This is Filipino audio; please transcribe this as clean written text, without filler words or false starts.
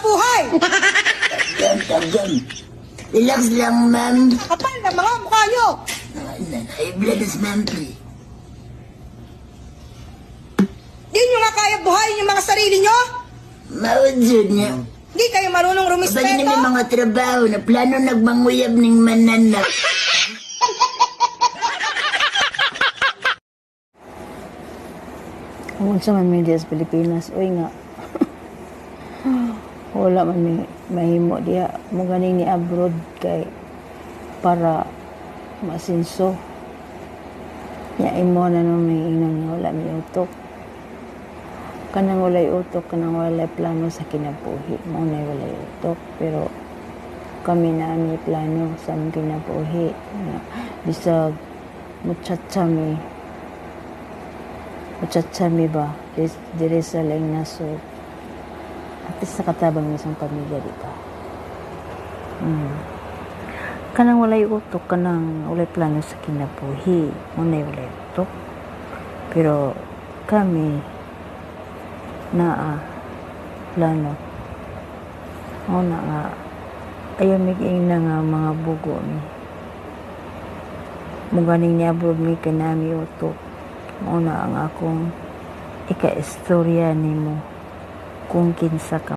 buhay. Tagan. Relax lang, ma'am. Kapal na mga mukha nyo. High blood is monthly. Di nyo nga kaya buhayin yung mga sarili nyo? Mawad yun niya. Di kayo marunong Kapag na may rumispeto? mga trabaho na plano nagmanguyab ning mananak. Kung sa man media sa Pilipinas, uy nga. Wala man may mahimo diya. Mo ganing ni abroad kay para masinso. Ya imo na no may ingon nga wala may utok. Kanang walay utok, kanang walay plano sa kinabuhi. Mo na walay utok, pero kami na may plano sa among kinabuhi. Bisag muchacha mi ba? Dire sa laing nasod. At least nakatabang ng isang pamilya, di ba? Kanang walay utok, kanang walay plano sa kinabuhi. Muna'y walay utok. Pero kami na plano. O na nga, ayaw miging na nga mga bugo mi. Muganing niya abroad mi kanami utok. Muna ang akong ika-istorya nimo kung kinsa ka